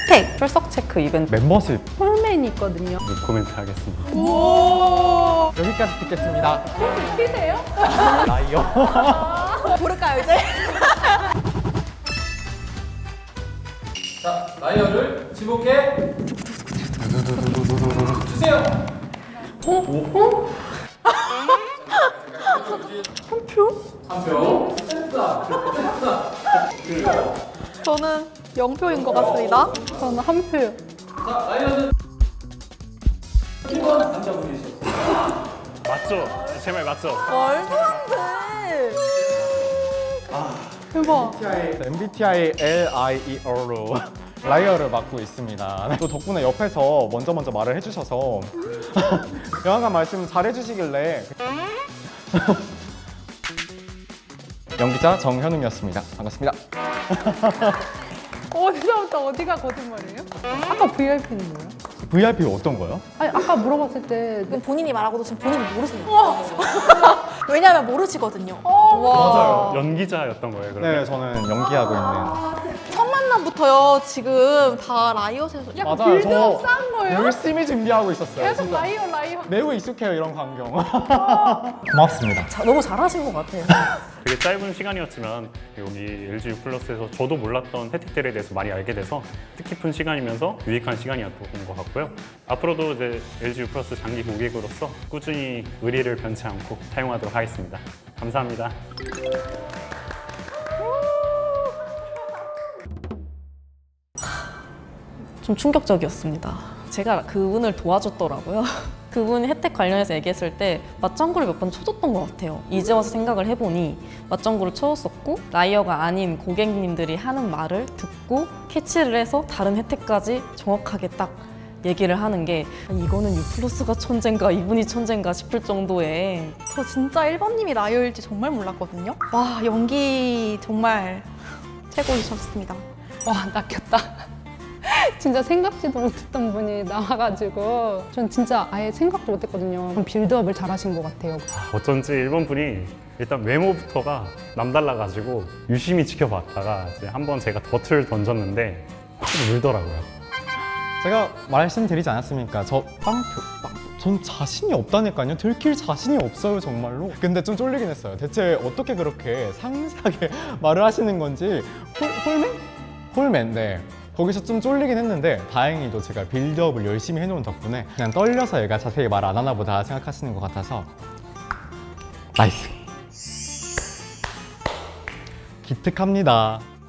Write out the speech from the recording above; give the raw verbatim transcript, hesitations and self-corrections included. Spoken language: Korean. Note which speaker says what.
Speaker 1: 혜택 출석 체크 이벤트
Speaker 2: 멤버십
Speaker 3: 폴맨이 있거든요.
Speaker 4: 코멘트 하겠습니다.
Speaker 3: 오.
Speaker 2: 여기까지 듣겠습니다.
Speaker 3: 피세요?
Speaker 2: 라이어.
Speaker 1: 부를까요 이제?
Speaker 5: 자, 라이어를 지목해 주세요.
Speaker 3: 어? 어?
Speaker 5: 한 표. 한 표. 센스다. 센스다.
Speaker 1: 저는 영표인 것 같습니다.
Speaker 3: 저는 한 표요.
Speaker 5: 자, 라이어는 일 번 남자분이셨어요.
Speaker 4: 맞죠? 제 말 맞죠?
Speaker 1: 말도 안 돼.
Speaker 3: 대박.
Speaker 2: 엠비티아이 엘아이이오로 라이어를 맡고 있습니다. 또 덕분에 옆에서 먼저 먼저 말을 해주셔서 영화관 말씀 잘 해주시길래 연기자 정현웅이었습니다. 반갑습니다.
Speaker 3: 어디서부터 어디가 거짓말이에요? 아까 브이아이피는 뭐예요?
Speaker 2: 브이아이피 어떤 거요?
Speaker 3: 아니 아까 물어봤을 때
Speaker 1: 이건 본인이 말하고도 지금 본인이 모르세요. 왜냐면 모르시거든요.
Speaker 4: 맞아요. 연기자였던 거예요, 그러면?
Speaker 2: 네, 저는 연기하고 있는.
Speaker 1: 첫 만남부터요. 지금 다 라이엇에서
Speaker 3: 약간
Speaker 2: 맞아요.
Speaker 3: 빌드업
Speaker 2: 저
Speaker 3: 쌓은 거예요?
Speaker 2: 열심히 준비하고 있었어요.
Speaker 3: 계속
Speaker 2: 진짜.
Speaker 3: 라이어 라이어.
Speaker 2: 매우 익숙해요, 이런 광경. 고맙습니다.
Speaker 1: 자, 너무 잘하신 것 같아요.
Speaker 4: 되게 짧은 시간이었지만 여기 엘지유 플러스에서 저도 몰랐던 혜택들에 대해서 많이 알게 돼서 뜻깊은 시간이면서 유익한 시간이었던 것 같고요. 앞으로도 이제 엘지유 플러스 장기 고객으로서 꾸준히 의리를 변치 않고 사용하도록 하겠습니다. 감사합니다.
Speaker 6: 좀 충격적이었습니다. 제가 그분을 도와줬더라고요. 그분 혜택 관련해서 얘기했을 때 맞장구를 몇 번 쳐줬던 것 같아요. 이제 와서 생각을 해보니 맞장구를 쳐줬었고 라이어가 아닌 고객님들이 하는 말을 듣고 캐치를 해서 다른 혜택까지 정확하게 딱 얘기를 하는 게 이거는 유플러스가 천재인가 이분이 천재인가 싶을 정도의
Speaker 1: 저 진짜 일 번님이 라이어일지 정말 몰랐거든요. 와, 연기 정말 최고이셨습니다.
Speaker 3: 와 낚였다. 진짜 생각지도 못했던 분이 나와가지고 전 진짜 아예 생각도 못했거든요. 그럼 빌드업을 잘하신 것 같아요.
Speaker 4: 어쩐지 일본 분이 일단 외모부터가 남달라가지고 유심히 지켜봤다가 이제 한번 제가 덫을 던졌는데 좀 울더라고요.
Speaker 2: 제가 말씀드리지 않았습니까? 저 빵표, 빵. 전 자신이 없다니까요. 들킬 자신이 없어요, 정말로. 근데 좀 쫄리긴 했어요. 대체 어떻게 그렇게 상세하게 말을 하시는 건지. 홀, 홀맨? 홀맨, 네. 거기서 좀 쫄리긴 했는데 다행히도 제가 빌드업을 열심히 해놓은 덕분에 그냥 떨려서 얘가 자세히 말 안 하나 보다 생각하시는 것 같아서 나이스. 기특합니다.